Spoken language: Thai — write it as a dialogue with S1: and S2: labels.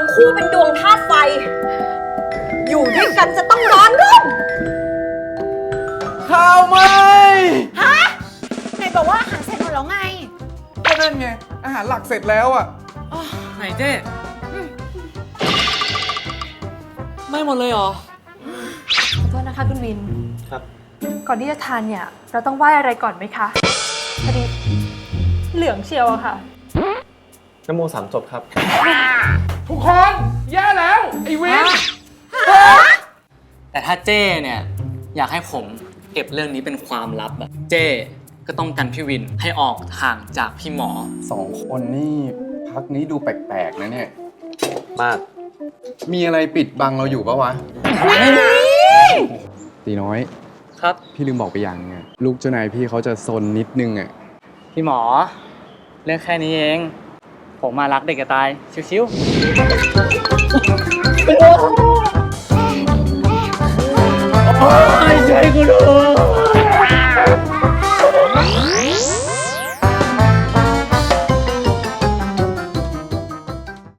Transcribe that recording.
S1: คู่เป็นดวงธาตุไฟ อยู่ด้วยกันจะต้องร้อนรุ่ม
S2: ข้าวไหม
S1: ฮะไหนบอกว่าอาหารเสร็จหมดแล้วไง
S2: ก็นั่นไง อาหารหลักเสร็จแล้วอ่ะ
S3: ไหนเจ๊ไม่หมดเลยเหรอ
S4: ขอโทษนะคะคุณวิน
S3: ครับ
S4: ก่อนที่จะทานเนี่ย เราต้องไหว้อะไรก่อนไหมคะพอดีเหลืองเชียวอะค่ะ
S5: นโม3 จบครับ
S2: ทุกคนแย่แล้ว ไอ้วิน
S3: แต่ถ้าเจ้เนี่ยอยากให้ผมเก็บเรื่องนี้เป็นความลับอะเจ้ก็ต้องกันพี่วินให้ออกห่างจากพี่หมอ
S2: 2 คนนี่พักนี้ดูแปลกๆนะเนี่ย
S5: มาก
S2: มีอะไรปิดบังเราอยู่ปะวะ ตีน้อย
S3: ครับ
S2: พี่ลืมบอกไปอย่างนึงอะลูกเจ้านายพี่เขาจะซนนิดนึงอ่ะ
S3: พี่หมอ เรื่องแค่นี้เอง ผมมารักเด็กจะตาย ชิวๆ ช่วยกูด้วย